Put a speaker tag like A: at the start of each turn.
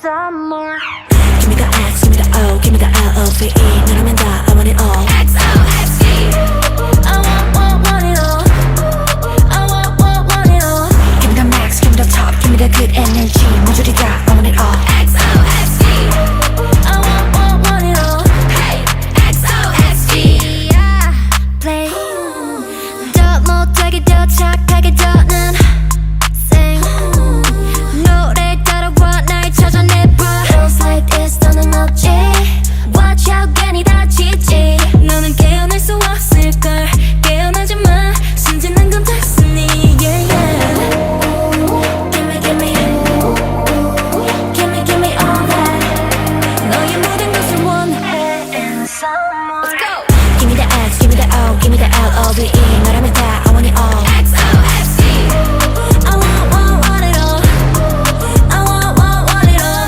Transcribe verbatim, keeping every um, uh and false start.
A: some more.
B: Give me the X, give me the O, give me the L O V E. 너라면 다 I want it all.
A: X O X D. I want, want, want it all. I want, want, want it all.
B: Give me the max, give me the top, give me the good energy. 모조리 다